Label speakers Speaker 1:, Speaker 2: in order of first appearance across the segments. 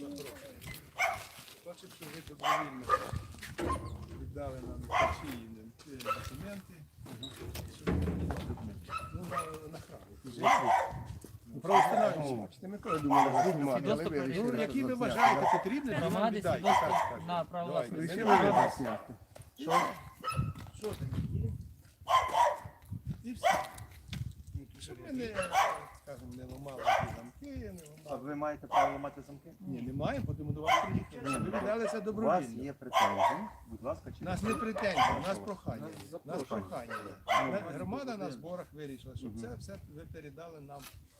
Speaker 1: Бачив, що ви добровільно віддали нам ці документи. Ну, на храм.
Speaker 2: Правоустановлювачі. Ми коли думали, знімати, але ви
Speaker 1: Ну,
Speaker 2: вирішили
Speaker 1: які ви
Speaker 2: розняти.
Speaker 1: вважаєте потрібні, то нам
Speaker 3: Громади
Speaker 1: віддайте.
Speaker 3: свідоцтво
Speaker 1: Так, так.
Speaker 3: на право
Speaker 1: Давайте.
Speaker 3: власності.
Speaker 2: Вирішили розняти.
Speaker 1: Що ти? І все. Щоб ми не, скажімо, не ламали ті замки, не
Speaker 4: А
Speaker 1: ламали.
Speaker 4: ви маєте право ламати замки?
Speaker 1: Ні, не маємо, тому до вас приїхали. Ви віддалися
Speaker 4: У вас
Speaker 1: добровільно.
Speaker 4: є претензії, будь ласка,
Speaker 1: У
Speaker 4: чи
Speaker 1: нас не претензії, у нас прохання. У нас прохання. Громада на зборах вирішила, щоб це все ви передали нам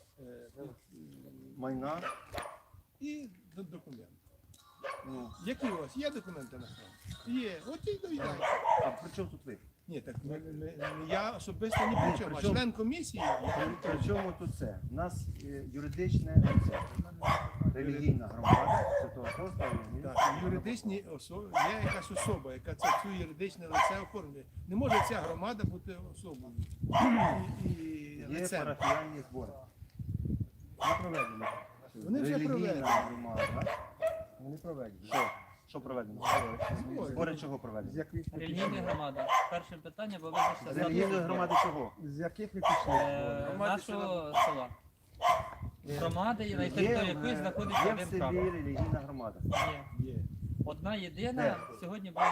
Speaker 4: майна?
Speaker 1: і документи.
Speaker 4: Ну,
Speaker 1: Які у вас є документи на храм? Є. От і довідайте.
Speaker 4: а при чому тут ви?
Speaker 1: Ні, так я особисто не при чому, а
Speaker 4: при чому?
Speaker 1: член комісії.
Speaker 4: При чому тут це? У нас юридичне лице, релігійна громада, Святого Апостола.
Speaker 1: Так, юридичні особи, є якась особа, яка цю юридичне лице оформлює. Не може ця громада бути особою і
Speaker 4: Є
Speaker 1: лицем.
Speaker 4: парафіальні збори.
Speaker 2: Ми проведемо.
Speaker 1: Вони вже
Speaker 4: Релігійна
Speaker 1: проведені.
Speaker 4: громада.
Speaker 2: Вони проведені.
Speaker 4: Що проведено?
Speaker 1: Збори.
Speaker 4: Збори чого
Speaker 2: З
Speaker 4: проведені?
Speaker 2: яких ви
Speaker 3: Релігійна
Speaker 2: пішли?
Speaker 3: громада. Перше питання, бо визначте
Speaker 4: З релігійної громади чого?
Speaker 2: З яких ви пішли?
Speaker 3: нашого села. Громади, на території якої знаходиться
Speaker 4: Є в
Speaker 3: один
Speaker 4: селі
Speaker 3: храм.
Speaker 4: релігійна громада.
Speaker 3: Є.
Speaker 1: Є.
Speaker 3: Одна єдина
Speaker 4: Де?
Speaker 3: сьогодні була.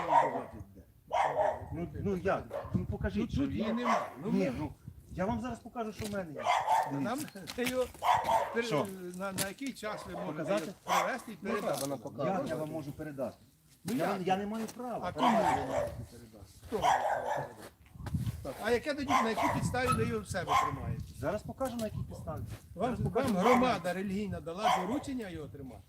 Speaker 4: Ну як? Ну покажіть,
Speaker 1: Тут
Speaker 4: що
Speaker 1: її
Speaker 4: є.
Speaker 1: немає. Ну,
Speaker 4: Ні, ну я вам зараз покажу, що в мене є.
Speaker 1: нам його
Speaker 4: Що?
Speaker 1: на який час ви можете
Speaker 4: Показати?
Speaker 1: його привезти і передати?
Speaker 2: Вона показує.
Speaker 4: Як я вам можу передати?
Speaker 1: Ну,
Speaker 4: Я,
Speaker 1: як?
Speaker 4: я не маю права.
Speaker 1: А кому ви можете передати? Хто ви можете передати? А яке тоді, на якій підставі ви його в себе тримаєте?
Speaker 4: Зараз покажу, на якій підставі.
Speaker 1: Вам громада релігійна дала доручення його тримати?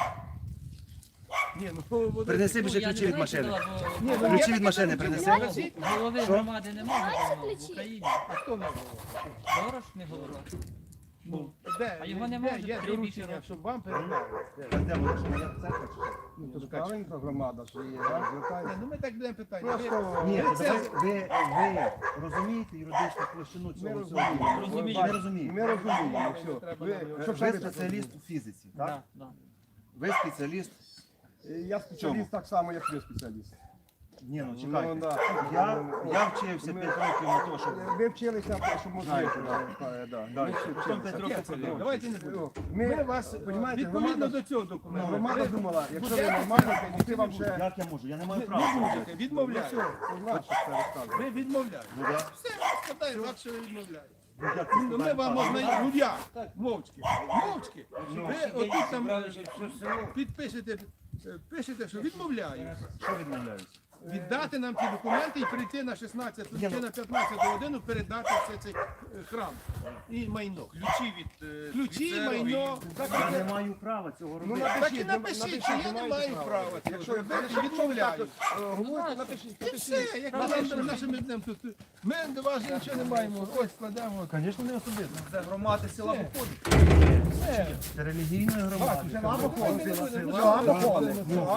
Speaker 1: Ні, ну воно-
Speaker 4: Принеси більше
Speaker 3: Я не
Speaker 4: ключі від
Speaker 3: знаю, чи
Speaker 4: машини.
Speaker 3: дала, бо-
Speaker 1: Ні, ну,
Speaker 4: Ключі
Speaker 1: є
Speaker 4: від
Speaker 1: таке
Speaker 4: машини
Speaker 1: доручення,
Speaker 4: принеси.
Speaker 1: принесіть.
Speaker 3: Голови
Speaker 4: Що?
Speaker 3: громади немає в Україні.
Speaker 1: А хто не голова?
Speaker 3: Дорож не голова.
Speaker 1: Ну, де?
Speaker 3: А його
Speaker 1: Де
Speaker 3: немає
Speaker 1: є
Speaker 3: вже 3
Speaker 1: доручення,
Speaker 3: років.
Speaker 1: щоб вам передали?
Speaker 4: Де воно, що моя церква чи що?
Speaker 2: Ну, то правильно громада, що є. Звертається.
Speaker 1: Ну ми так будемо питання.
Speaker 2: Просто
Speaker 4: Ні,
Speaker 1: Ви
Speaker 4: це
Speaker 1: це-
Speaker 4: ви розумієте юридичну площину
Speaker 2: ми
Speaker 4: цього
Speaker 2: розуміємо.
Speaker 4: всього?
Speaker 3: Розумію.
Speaker 4: Не розумієте.
Speaker 2: Ми розуміємо,
Speaker 1: Треба
Speaker 2: все.
Speaker 1: нам
Speaker 2: Ви,
Speaker 1: його-
Speaker 2: щоб
Speaker 4: Ви
Speaker 2: самі
Speaker 4: спеціаліст у фізиці, так?
Speaker 3: Да, да.
Speaker 4: Ви спеціаліст.
Speaker 2: Я спеціаліст так само, як ви спеціаліст.
Speaker 4: Ні, ну
Speaker 2: Ну,
Speaker 4: чекайте.
Speaker 2: да.
Speaker 4: Я вчився 5 років на те, щоб...
Speaker 2: Ви вчилися, щоб можна.
Speaker 4: Знаєте,
Speaker 2: Да.
Speaker 4: Ми ще потім 5 років ходили.
Speaker 1: Давайте не будемо.
Speaker 2: Ми
Speaker 1: Ми вас,
Speaker 2: понімаєте,
Speaker 1: відповідно
Speaker 2: громада-
Speaker 1: до цього документу,
Speaker 2: Громада
Speaker 1: ви
Speaker 2: думала, якщо ви
Speaker 1: будете
Speaker 2: нормально, то ти вам ще
Speaker 4: Як я можу? Я не маю
Speaker 1: не
Speaker 4: права.
Speaker 1: будете, відмовляєте.
Speaker 2: знаєш, що це розказує.
Speaker 1: Ви відмовляєте.
Speaker 4: Ну, да.
Speaker 1: Все, складає так, що ви відмовляєте.
Speaker 4: Ну, як це
Speaker 1: Ну ми
Speaker 4: складає
Speaker 1: вам
Speaker 4: право?
Speaker 1: можна, ну як? Мовчки. Мовчки. Ви отут там підпишете, пишете, що відмовляєте.
Speaker 4: Що відмовляюсь?
Speaker 1: Віддати нам ті документи і прийти на 16 чи на 15 годину передати все цей храм і майно. Ключі і майно.
Speaker 4: Я не маю права цього
Speaker 2: Ну,
Speaker 4: робити.
Speaker 1: Так і напишіть, що я не маю права.
Speaker 2: Якщо
Speaker 1: Якщо ви відмовляю.
Speaker 2: говорите, напишіть,
Speaker 1: І все, як ми нашими днем тут. Ми до вас нічого не маємо. Ось складемо.
Speaker 4: Звісно, не особисто.
Speaker 5: Це громади села виходить.
Speaker 1: Все.
Speaker 4: Це релігійної громади.
Speaker 2: Це або ходить.
Speaker 1: Ну,
Speaker 2: Або ходить.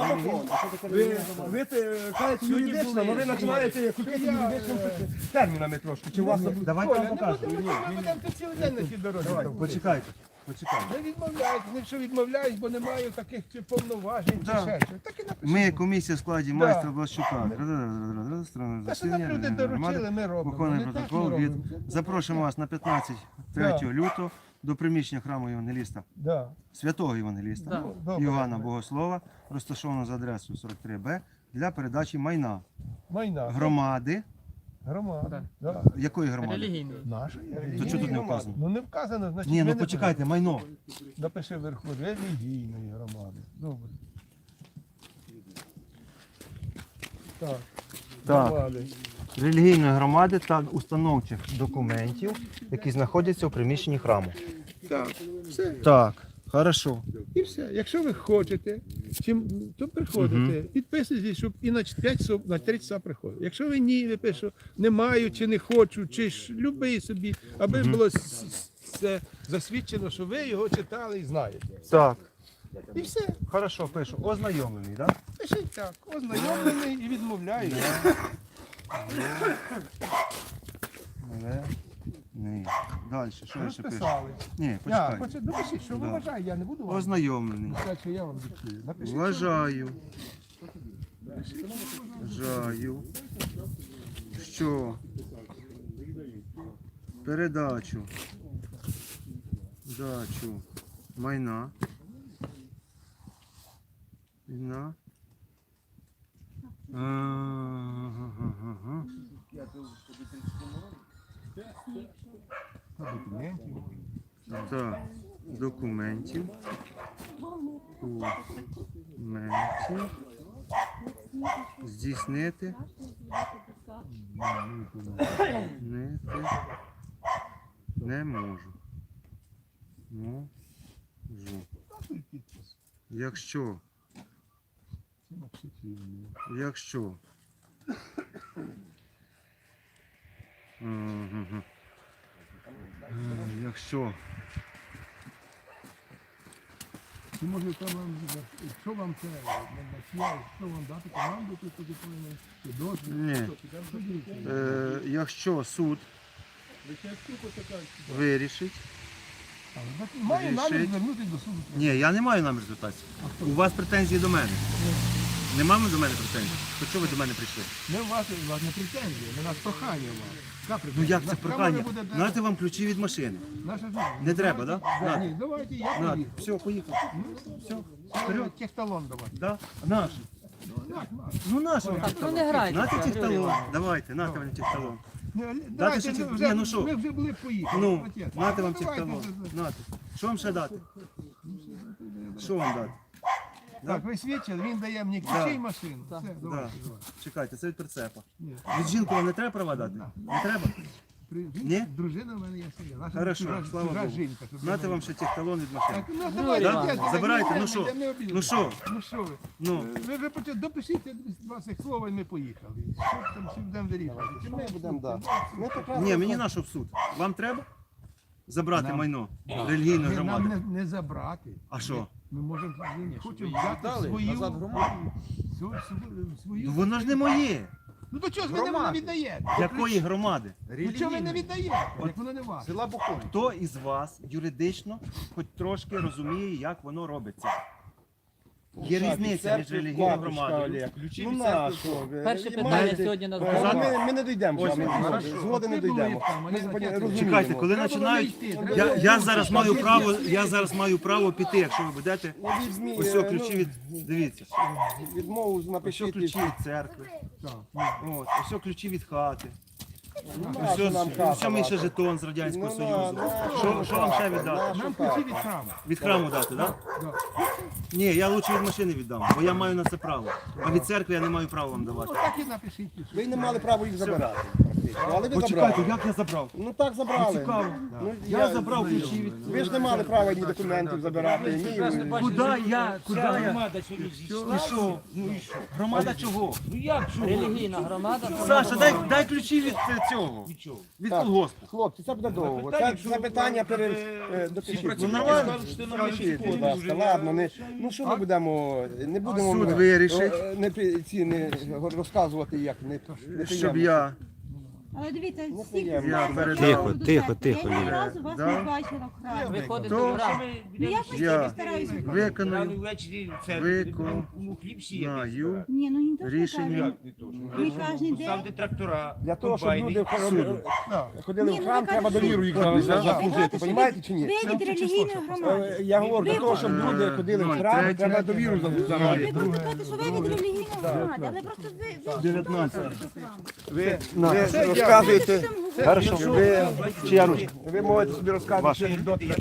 Speaker 2: Ви кажете юридично, але ви починаєте купити юридичними термінами трошки. Чи у вас
Speaker 4: Давайте я
Speaker 1: Оля,
Speaker 4: вам
Speaker 1: не
Speaker 4: покажу.
Speaker 1: будемо, ми будемо тут цілий день на цій дорозі.
Speaker 4: Почекайте. Почекайте.
Speaker 1: Не відмовляють, якщо відмовляють, бо не маю таких чи повноважень, чи
Speaker 4: Да.
Speaker 1: ще щось. Так і напишіть.
Speaker 4: Ми комісія в складі
Speaker 1: Да.
Speaker 4: майстра Блащука.
Speaker 1: Те, що нам люди доручили, ми робимо.
Speaker 4: Виконуємо
Speaker 1: Не так
Speaker 4: протокол
Speaker 1: ми
Speaker 4: від...
Speaker 1: робимо.
Speaker 4: Запрошуємо вас на 15 3 лютого до приміщення храму Євангеліста,
Speaker 1: Да.
Speaker 4: святого Євангеліста
Speaker 3: Да.
Speaker 1: Добре.
Speaker 4: Івана Богослова, розташовано за адресою 43Б, для передачі майна
Speaker 1: Майна.
Speaker 4: громади.
Speaker 1: Громада. Да.
Speaker 4: Якої громади?
Speaker 3: Релігійний.
Speaker 1: Нашої.
Speaker 4: То чого тут не вказано?
Speaker 1: Ну не вказано, значить
Speaker 4: Ні,
Speaker 1: ми
Speaker 4: ну
Speaker 1: не
Speaker 4: почекайте, майно.
Speaker 1: будемо. Напиши вверху релігійної громади. Добре. Так.
Speaker 4: Так.
Speaker 1: Громади.
Speaker 4: Релігійної громади та установчих документів, які знаходяться у приміщенні храму.
Speaker 1: Так. Все.
Speaker 4: Так, хорошо.
Speaker 1: І все. Якщо ви хочете, то приходите, підписуйтесь, щоб і на 5 на 3 часа приходить. Якщо ви ні, ви пишете, не маю, чи не хочу, чи ж любий собі, аби було це засвідчено, що ви його читали і знаєте.
Speaker 4: Так,
Speaker 1: І все.
Speaker 4: хорошо, пишу. Ознайомлений, так?
Speaker 1: Пишіть так, ознайомлений і відмовляю.
Speaker 4: Ні. Далі, що я ще пишу?
Speaker 1: Розписали.
Speaker 4: Ні,
Speaker 1: Я,
Speaker 4: почекай.
Speaker 1: хоче, допишіть, що ви
Speaker 4: Да.
Speaker 1: вважаєте, я не буду вам
Speaker 4: Ознайомлений.
Speaker 1: писати, що я вам диктую. Напишіть,
Speaker 4: Вважаю, що передачу майна
Speaker 1: документів.
Speaker 4: та документів здійснити не можу. Якщо Мгм. Якщо
Speaker 1: Чи може там вам, що вам це, що вам дати команду, тут тоді повинен, чи дозвіл?
Speaker 4: Ні.
Speaker 1: Що дивіться?
Speaker 4: якщо суд вирішить.
Speaker 1: Має намір
Speaker 4: Рішить.
Speaker 1: звернутися до суду.
Speaker 4: Ні, я не маю намір звертатися. У вас претензії до мене. Нема до мене претензій? То чого ви до мене прийшли?
Speaker 1: Не у вас не претензії, не нас прохання у вас. Яка
Speaker 4: Ну
Speaker 1: претензія?
Speaker 4: як це
Speaker 1: Нас
Speaker 4: прохання?
Speaker 1: камера буде,
Speaker 4: Знаєте вам ключі від машини.
Speaker 1: наша ж-
Speaker 4: Не треба, да?
Speaker 1: Да,
Speaker 4: На.
Speaker 1: ні, давайте, я
Speaker 4: На,
Speaker 1: поїду.
Speaker 4: все, поїхав. Все,
Speaker 1: Вперед. Техталон давайте.
Speaker 4: Да? Наш.
Speaker 1: Наш.
Speaker 4: Ну наш вам
Speaker 3: Так, ну
Speaker 4: техталон.
Speaker 3: не грайте.
Speaker 4: Нате
Speaker 3: Григорій
Speaker 4: техталон.
Speaker 3: Іванович.
Speaker 4: Давайте, нате вам техталон.
Speaker 1: Давайте,
Speaker 4: ще ті-
Speaker 1: вже,
Speaker 4: ні, ну що?
Speaker 1: ми вже були поїхали.
Speaker 4: Ну,
Speaker 1: Отець.
Speaker 4: нате вам
Speaker 1: Давайте
Speaker 4: техталон.
Speaker 1: вже.
Speaker 4: Нате. Що вам ще дати? Що вам дати?
Speaker 1: Так, ви свідчили, він дає мені
Speaker 4: Да.
Speaker 1: ключі і машину.
Speaker 3: Так.
Speaker 1: Все,
Speaker 4: Да.
Speaker 1: давайте, давайте.
Speaker 4: Чекайте, це від прицепа.
Speaker 1: Ні.
Speaker 4: Від жінки вам не треба права дати? Не треба? Ні?
Speaker 1: Дружина в мене є своя. Наша
Speaker 4: Хорошо,
Speaker 1: чужа-
Speaker 4: слава
Speaker 1: чужа
Speaker 4: Богу.
Speaker 1: жінка. щоб
Speaker 4: Нате
Speaker 1: ви
Speaker 4: вам ще техталон від машини.
Speaker 1: Так, ну давайте,
Speaker 3: Іванович,
Speaker 1: отець,
Speaker 4: забирайте,
Speaker 1: не
Speaker 4: ну що?
Speaker 1: обійдемо, не обійдемо.
Speaker 4: Ну що?
Speaker 1: Ну що ви?
Speaker 4: Ну.
Speaker 1: Ви почали, допишіть два цих слова і ми поїхали. Що там всі будемо вирішувати? Чи ми
Speaker 4: будемо, да.
Speaker 1: Ми так
Speaker 4: Ні, мені на що в суд. Вам треба забрати майно релігійної
Speaker 1: нам
Speaker 4: громади?
Speaker 1: не забрати.
Speaker 4: А що?
Speaker 1: Ми можемо, хочемо взяти свою, свою.
Speaker 4: Ну воно ж не моє.
Speaker 1: Ну то чого ж ви не віддаєте?
Speaker 4: Якої громади?
Speaker 1: Ну чого ви не віддаєте? Як воно не ваше?
Speaker 4: Хто із вас юридично хоч трошки розуміє, як воно робиться? Є різниця між релігійною громадою.
Speaker 2: Ну на що?
Speaker 3: Перше питання сьогодні на
Speaker 4: Сказати?
Speaker 3: зборі.
Speaker 2: Ми не дійдемо з вами. Згоди не дійдемо. Ми розуміємо.
Speaker 4: Чекайте, коли починають. Я зараз маю право піти, якщо ви будете. Ось ключі від. Дивіться.
Speaker 2: Відмову
Speaker 4: Ось
Speaker 2: напишіть.
Speaker 4: ключі від церкви. От, ось ключі від хати. Ось мій ще жетон з Радянського Союзу. Що вам ще віддати?
Speaker 1: Нам ключі від храму.
Speaker 4: Від храму дати, так? Ні, я лучше від машини віддам, бо я маю на це право. А від церкви я не маю права вам давати.
Speaker 1: Ну так і напишіть.
Speaker 2: Ви не мали права їх забирати. Але ви
Speaker 4: Почекайте,
Speaker 2: забрали.
Speaker 4: як я забрав?
Speaker 2: Ну так забрали.
Speaker 4: Цікаво.
Speaker 2: Ну,
Speaker 4: Я забрав ключі від.
Speaker 2: Ви ж не мали права ні документів забирати, ні.
Speaker 4: Куди я? І що? Громада чого?
Speaker 3: Релігійна громада.
Speaker 4: Саша, дай ключі від цього. Від
Speaker 2: Так.
Speaker 4: колгоспу.
Speaker 2: Хлопці, це буде довго. Це питання допишіть.
Speaker 4: Ну нормально.
Speaker 2: Допишіть, будь ласка. Ладно, ну що ми будемо, не будемо
Speaker 4: Суд вирішить.
Speaker 2: не розказувати, як не
Speaker 4: Щоб я.
Speaker 5: Але дивіться, всі
Speaker 2: неприємно.
Speaker 4: Я передав.
Speaker 5: тихо, Я ні разу вас
Speaker 4: Да.
Speaker 5: не бачила в храмі.
Speaker 3: Виходить
Speaker 4: То-
Speaker 3: в храм.
Speaker 5: Ну я постійно
Speaker 4: Я
Speaker 5: стараюся.
Speaker 4: виконую
Speaker 5: Ні, ну не то, що
Speaker 4: рішення
Speaker 5: Ми кожен день.
Speaker 2: Для того, щоб люди ходили
Speaker 5: Ні,
Speaker 2: в
Speaker 5: ну,
Speaker 2: храм,
Speaker 5: ви
Speaker 2: треба
Speaker 5: кажете,
Speaker 2: довіру їх
Speaker 5: ви
Speaker 2: заслужити,
Speaker 5: кажете, що
Speaker 2: розумієте чи ні?
Speaker 5: Ви від релігійної громади.
Speaker 2: Я говорю, для того, щоб люди ходили в храм, треба довіру
Speaker 5: Ви
Speaker 2: заслужити.
Speaker 5: просто кажете, що ви від релігійної громади, але просто ви
Speaker 4: 19.
Speaker 2: Ви розказуєте,
Speaker 5: Хорошо.
Speaker 2: ви можете собі розказувати анекдоти.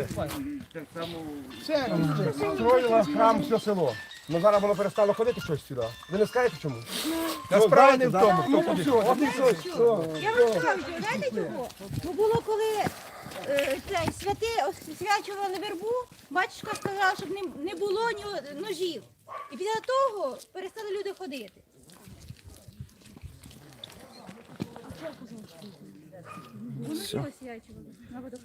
Speaker 2: Строїла храм все село. Ну зараз воно перестало ходити щось сюди. Ви не скажете чому? Та справа не в тому, хто ходить. От і все.
Speaker 5: Я вам скажу, знаєте чого? Ну було коли цей святи освячували вербу, батюшка сказав, щоб не було ножів. І після того перестали люди ходити. Воно все освячували.